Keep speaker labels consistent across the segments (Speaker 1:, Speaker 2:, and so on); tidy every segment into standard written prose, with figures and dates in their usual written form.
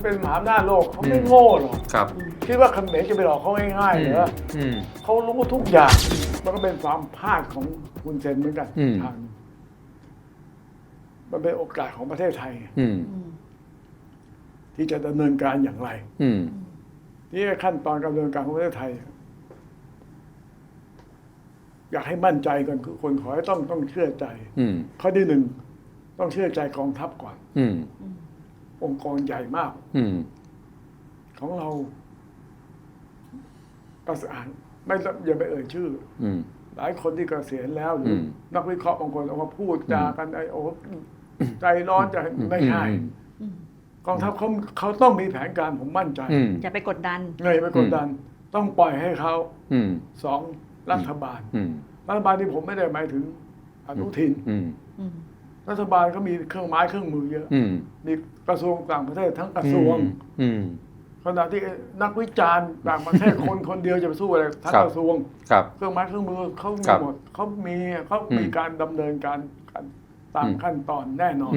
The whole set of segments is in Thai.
Speaker 1: เป็นมหาอำนาจโลกเขาไม่โง่หรอก
Speaker 2: ครับ
Speaker 1: คิดว่าเขมรจะไปหลอกเขาง่ายๆเหรอเขารู้ทุกอย่างมันก็เป็นความพลาดของคุณเซนเหมือนกันทางมันเป็นโอกาสของประเทศไทยที่จะดำเนินการอย่างไรที่ขั้นตอนการดำเนินการของประเทศไทยอยากให้มั่นใจก่อนคือคนขอให้ต้องเชื่อใจข้อที่หนึ่งต้องเชื่อใจกองทัพก่อนองค์กรใหญ่มากของเราประสานไม่อย่าไปเอ่ยชื่อหลายคนที่เกษียณแล้วหรือนักวิเคราะห์บางคนออกมาพูดจากันโอ้ใจร้อนจะไม่ใช่กองทัพเขาต้องมีแผนการผมมั่นใจ
Speaker 3: อย่าไปกดดัน
Speaker 1: อย่าไปกดดันต้องปล่อยให้เขาสองรัฐบาลที่ผมไม่ได้หมายถึงอนุทินรัฐบาลก็มีเครื่องไม้เครื่องมือเยอะมีกระทรวงต่างประเทศทั้งกระทรวงขณะที่นักวิจารณ์ต่างประเทศคนเดียวจะไปสู้อะไรทั้งกระทรวงเครื่องไม้เครื่องมือเขามีหมดเขามีการดำเนินการตามขั้นตอนแน่นอน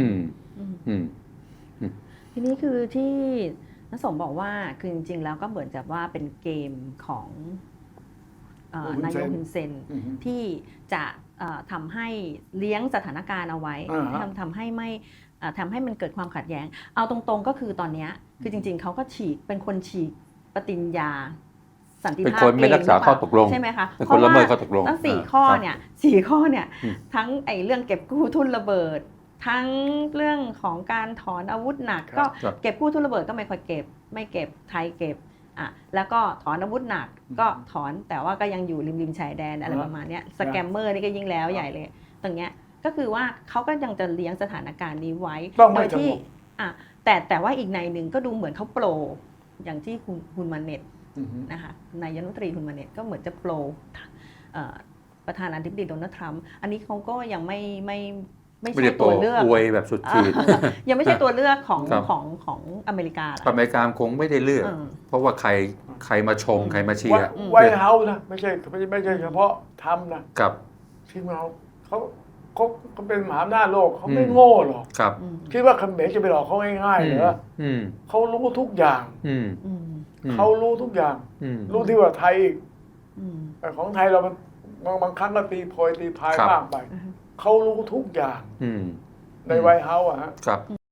Speaker 3: ทีนี้คือที่ณสมบอกว่าคือจริงๆแล้วก็เหมือนกับว่าเป็นเกมของนายกฮุนเซนที่จะทำให้เลี้ยงสถานการณ์เอาไว้ทำให้มันเกิดความขัดแย้งเอาตรงๆก็คือตอนนี้คือจริงๆเขาก็เป็นคนฉีกปฏิญญาสันติภาพ
Speaker 2: เป็นคนไม่รักษาข้อตกลง
Speaker 3: ใช่ไหมคะ
Speaker 2: เป็นคนละเมิดข้อตกลง
Speaker 3: ทั้ง4 ข้อเนี่ยทั้งเรื่องเก็บกู้ทุนระเบิดทั้งเรื่องของการถอนอาวุธหนักก็เก็บกู้ทุนระเบิดก็ไม่ค่อยเก็บไม่เก็บไทยเก็บแล้วก็ถอนอาวุธหนักก็ถอนแต่ว่าก็ยังอยู่ริมชายแดนอะไรประมาณนี้สแกมเมอร์นี่ก็ยิ่งแล้วใหญ่เลยตรงเนี้ยก็คือว่าเขาก็ยังจะเลี้ยงสถานการณ์นี้ไว้โดยที่แต่ว่าอีกในหนึ่งก็ดูเหมือนเขาโปรอย่างที่ฮุนมาเน็ตนะคะนายกรัฐมนตรีฮุนมาเน็ตก็เหมือนจะโปรประธานาธิบดีโดนัลด์ทรัมป์อันนี้เขาก็ยังไม่ใช่ตัวเลือก
Speaker 2: อวยแบบสุดขีด
Speaker 3: ยังไม่ใช่ตัวเลือกของอเมริกา
Speaker 2: อเมริกาคงไม่ได้เลือกเพราะว่าใครมาชมใครมาเชียร์
Speaker 1: ไวท์เฮาส์นะไม่ใช่เฉพาะทำนะ
Speaker 2: กับ
Speaker 1: ที่เขาเป็นมหาอำนาจโลกเขาไม่โง่หรอกคิดว่าเขมรจะไปหลอกเขาง่ายๆเหรอเขารู้ทุกอย่างเขารู้ทุกอย่างรู้ที่ว่าไทยอีกแต่ของไทยเราบางครั้งก็ตีโพยตีพายมากไปเขารู้ทุกอย่างในไวท์เฮาส์อะฮะ